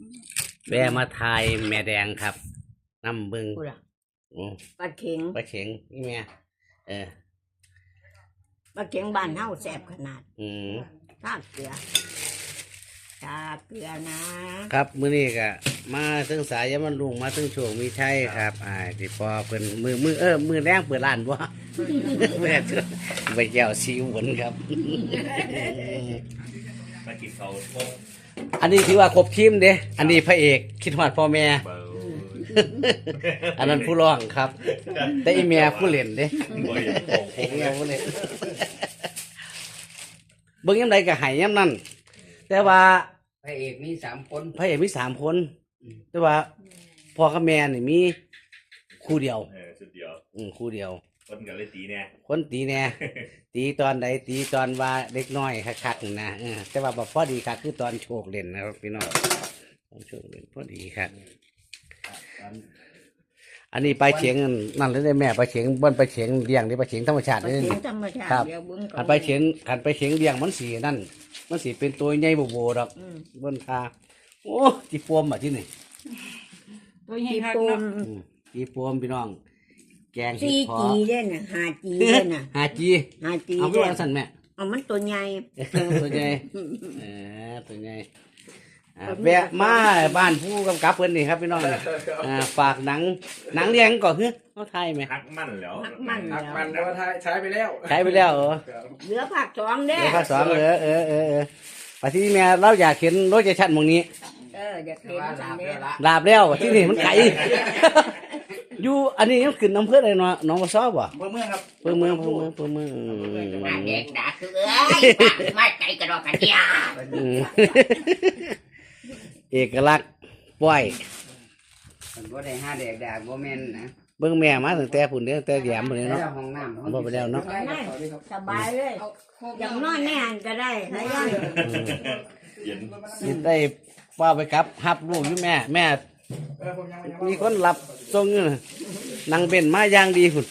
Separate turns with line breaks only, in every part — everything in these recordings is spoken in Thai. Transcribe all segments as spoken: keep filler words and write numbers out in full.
แวะมาทายแม่แดงครับน้ำบึง
ปลาเข็ง
ปลาเข็งนี่แม่เออ
ปลาเข็งบ้านเฮาแซ่บขนาด
อืม
ทาเกลือทาเกลือนะครับ
มื้อนี้ก็มาถึงสายยามลุงมาถึงช่วงมีชัยครับอ่าที่พอเพิ่นมือมือเออมือแรงเปิดร้านบ่แม่ไปแก้วซีหวนครับ
มากินเขาพก
อันนี้ถือว่าครบทีมเด้อันนี้พระเอกคิดฮอดพ่อแม่อันนั้นผู้ร้องครับแต่อีเมียผู้เล่นเด้อีเมียผู้เล่นเบิ่งยามใดก็ให้ยามนั้นแต่ว่า
พระเอกมีสามคน
พระเอกมีสามคนแต่ว่าพ่อกับแม่นี่มีคู่เดียว
เออสุดเดียว
อืมคู่เดียว
คนกันเลยตีแน่
คนตีแน่ตีตอนใดตีตอนว่าเล็กน้อยคักๆนะเออแต่ว่าบ่พอดีครับคือตอนโชคเล่นนะครับพี่น้องโชคเล่นพอดีครับอันนี้ปลาเฉียงนั่นเลยได้แม่ปลาเฉียงบนปลาเฉียงเลี้ยงนี่ปลาเฉียงธรรมชาตินี่ครับขันปลาเฉียงขันปลาเฉียงเลี้ยงมันสีนั่นมันสีเป็นตัวใหญ่โบโบดอกบนคาโอ้จีปวมอ่ะที่นี่
ตัวใหญ่ปวม
จีปวมพี่น้องแกง
ซีจีเด่นน่ะหาจีเด่นน่ะ
หาจี
หาจี
เอาตัวสั่นแม่
เอามันตัวใหญ่
ตัวใหญ่เออตัวใหญ่แวะมาบ้านผู้กำกับเพิ่นนี่ครับพี่น้องฝากหนังหนังเลี้ยงก่อนคือเขาไทยไหม
ฮักมั่นแล้ว
ฮักมั่น
ฮักมันว่าใช้ไปแล้ว
ใช้ไปแล้วเออ
เหลือภาคสองเด้
เหลือภาคสองเออเออเออเออปัจจุบันแม่เราอยากเห็นรถจะชัดมองนี้
เอออยากเห็นจังเด้
ลาบแล้วที่นี่มันไก่อยู่อันนี้ยังขึ้นน้ำเพื่ออะไรเนาะน้องมาซ้อบ่
เพื่อเมืองครับ
เพื่อเมืองเพื่อเมืองเพื่อเมือง
เด็กด่าคือเอ้ยไม่ไก่กระดอกกระเดีย
เอกลักษณ์ป้อย
มันบ่ได้ห้าเด็กด่าบ่แม่นนะ
เบิ่งแม่มาตั้งแต่พุ่นเด้อแต่แยมพุ่นเนาะ
ห้องน้ำ
บ่ไปแล้วเนาะ
สบายเลยอย่างนอนแน่ก็ได้นะย่อน
สิได้ว่าไปครับฮับลูกอยู่แม่แม่มีคนรับส่งอยู่นั่งเบนมาอย่างดีพุ่น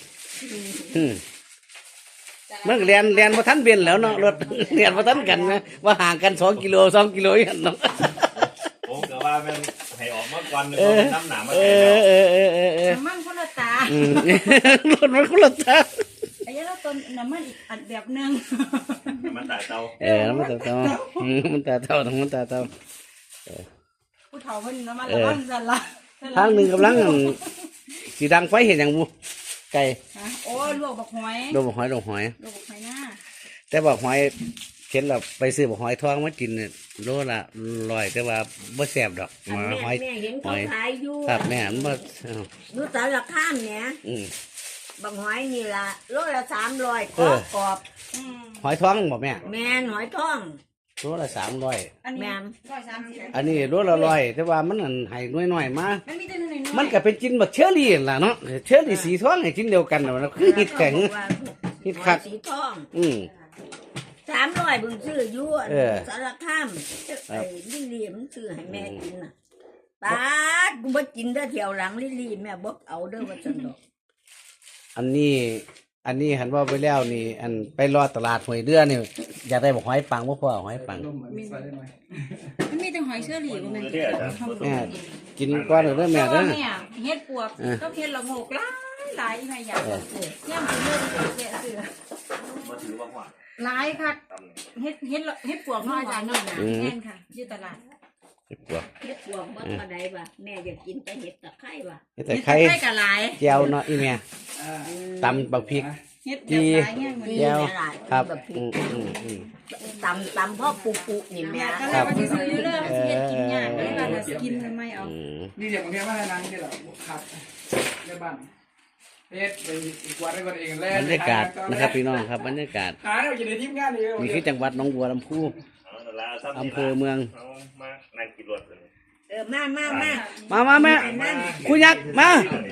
มันเรียนเรียนมาทันเบนแล้วเนาะรถเรียนมาทันกันนะว่าห่างกันสองกิโลสองกิโลอย่างเนาะ
ผมก็ว่ามันให้ออกมาก่อนน้ำหนามา
เออเออเออเออเออ
น้ำมันคนละตาร
ถมันคนละตา
ไอ้ยันเราต้นน้ำมันอีกอันแบบนึง
น้ำมันตาเตา
เออน้ำมันตาเตาน้ำมันตาเตาน้ำมันตาเตา
ผู้เฒ่ามันน้ำมันละมันจะละ
ทางหนึ่งกำลังสีดังไฟเห็นอย่างบูไก่
โอ้ลวกบักหอย
ลวกบักหอยลวกหอย
ลวกบักหอยหน้า
แต่บักหอยเข็นเราไปซื้อบักหอยทองมากินเนี่ยโลละลอยแต่ว่าบ่แซ่บดอกมาหอย
หอย
ครับแม่มันบ่
ดูแต่ละข้ามเนี่ยบักหอยนี่ละโลละสามร้อยกรอบกรอบ
หอยทองบ่แม่
แม่หอยทอง
โลละสามร้อย
อันนี้ร้อยสามสิบ
อันนี้โลละร้อยแต่ว่ามันให้น้อยๆมา
มันมีแต่น้อยๆ
มันก็เป็นจินแบบเชอรี่ล่ะเนาะเชอรี่สีทองให้จินเดียวกันนะคือฮิตแข็งฮิตคัก
สีทอง
อืม
สามร้อยบึงซื้อยั่วสารข้ามไอ้ลิลลี่มันซื้อให้แม่กินน่ะป้ากูบ่กินได้เที่ยวหลังลิลลี่แม่บ่เอาเด้อว่าจังดอก
อันนี้อันนี้หันว่าไปแล้วนี่อันไปรอตลาดหอยเดือนี่อยากได้บอกหอยปังบ่พอหอยปัง
มันมีแต่หอยเชอรี่บ่แม่น
แม่กินก้อนเด้อแม่เด้อ
เฮ็ดปวกก็เฮ็ดละโงกหลายหลายแม่อยากย่ำสิเลิกเฮ็ดซื้อ
มาถือว่าว่า
หลายค่ะเฮ็ดเฮ็ดเฮ็ดปวกน้อยจ้ะนี่นะแม่นค่ะอยู่ตลาด
เฮ็ดปวก
เฮ็ดปวกบ่ปานใดว่ะแม่อยากกินแต่เฮ็ดตะไคร้ว่ะ
เฮ็ดตะไคร้
ก็หลาย
แจ่วเนาะอีแม่ตำบักพริก
เฮ็ดจี
แจ่วครับ
ตำตำพ่อปุปุนี่แม่
ก็แล้วว่าสิซื้ออยู่เด้อเฮ็ดกินยากเลยว่าจะกินไม่เอา
นี่เดี๋ยวบางทีว่านังนี่แหละครับในบ้านเฮ็ดไปกวาดได้ก่อนเองแล้ว
บรรยากาศนะครับพี่น้องครับบรรยากาศ
หาเราอยู่ในทีมงานนี่
นี่คือจังหวัดหนองบัวลำพูอำเภอเมือง
มานั่งกินรถ
เออมามามา
มามาแม่คุณยักษ์มา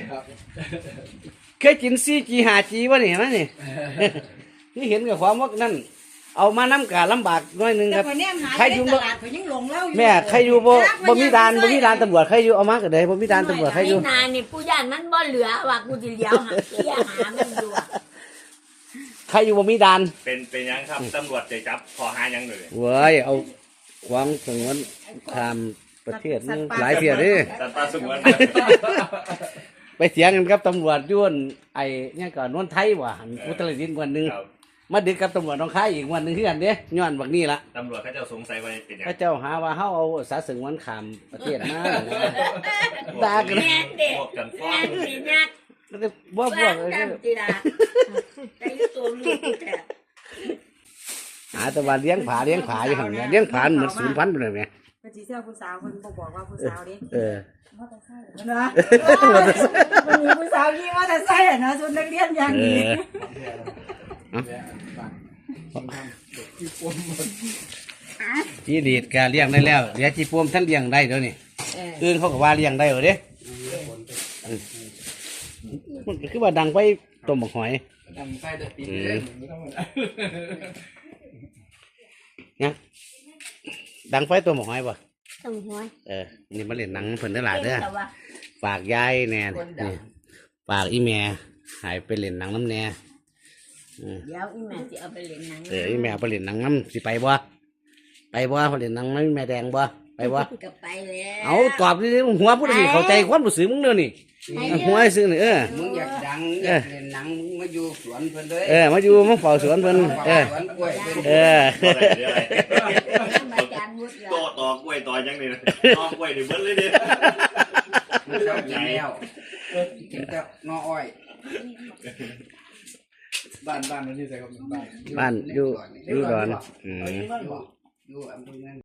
เคยกินซีจีหาจีวะนี่นะนี่ที่เห็นกับความว่านั่นเอามาน้ำกาลำบากน้อยนึงครับ
ใครอยู่
แม่ใครอยู่บ่บ่มีด่านบ่มีด่านตำรวจใครอยู่เอามาก็ได้บ่มีด่านตำรวจใครอยู่
นานนี่ผู้ย่านมันบ่เหลือว่ากูสิเลี้ยวหาเลี้ยหามันอยู่
ใครอยู่บ่มีด่าน
เป็นเป็นยังครับตำรวจจะจับขอหายังเลย
เว้ยเอาควางสงวนทำประเทศนึงหลายเที่ยเด้
สัตว์ป่าสงวน
ไปเถียงกันกับตำรวจย้วนไอ้เนี่ยก่อนนวลไทยว่ะอุตรดิตถ์วันหนึง
ครับ
มาดึกกับตำรวจน้องค่ายอีกวันหนึงคือกันเด้ย้อนบักนี้ละ
ตำรวจเขาเจ้าสงสัยว่าเป็นยัง
พระเจ้าหาว่าเฮาเอาสาสึงวันขามประเทศมาด่ากัน
แม่นเด็ก
พวกกันฟ้อ
แม่
ง
นสินัก
แล้วก็บ่พว
ว่าก
เออ
จำจีดาแต่ยุตัวลูกกูแท้
หาแต่ว่าเลี้ยงผาเลี้ยงผาอยู่หั่นแหละเลี้ยงผาเหมือนศูนย์พันธุ์ไปเลยแหม
เพิ่นสิเสื้อผู้สาวเพิ่นบ่บอกว่าผู้สาวเด้
เออ
นะมันมีผู้สาวขี่มอเตอร์ไซค์อ่ะนะชุดนักเรียนอย่าง
เอ
นี้
อ
แย่บ้านที่ปมหมด
จีดีดก็เลี้ยงได้แล้วเดี๋ยวจีปวมท่านเลี้ยงได้เดี๋ยวนี้
เออ
อื่นเขาก็ว่าเลี้ยงได้เหรอเด้อืมมันก็คือว่าดังไปต้มบักหอย
ดังไส้จะปีนเลยไม่ต้องมา
นะดังไฟต้มบักหอยป่ะ
ต้องหัว
เออนี่มาเล่นหนังเพิ่นได้หลายเด้อ
แต่ว่า
ฝากยายแน่นี่ฝากอีแม่ใหายไปเล่นหนังน้ำแน่เออ
เดี๋ยวอีแม่สิเอาไปเล่นหนัง
เอออีแม่ไปเล่นหนังน้ำสิไปบ่ไปบ่ไปเล่นหนังน้ำแม่แดงบ่ไปบ่
ก็ไปแล้ว
เอาตอบดิหัวผู้ใดสิเข้าใจความรู้สึกมึงเด้อนี่หัวไอ้ซื่อนี่เออ
มึงอยากดังอยากเล่นหนังมึงมาอยู่สวนเพิ่นเลย
เออมาอยู่มาเฝ้าสวนเพิ่นเออ
สวนกล้วยเพิ่น
เออ
อาจารย์วุฒิ
โตต่อกล้วยต่อยังนี่นะตอกล้วยนี่เบิ้ลเลยดิ
มึงเจ้ากินแล้วกินแต่นออ้อย
บ้านบ้านมันที่ใส่กับบ้าน
บ้านอยู่อยู่ก่อนอืม
อยู่อำเภอนั้น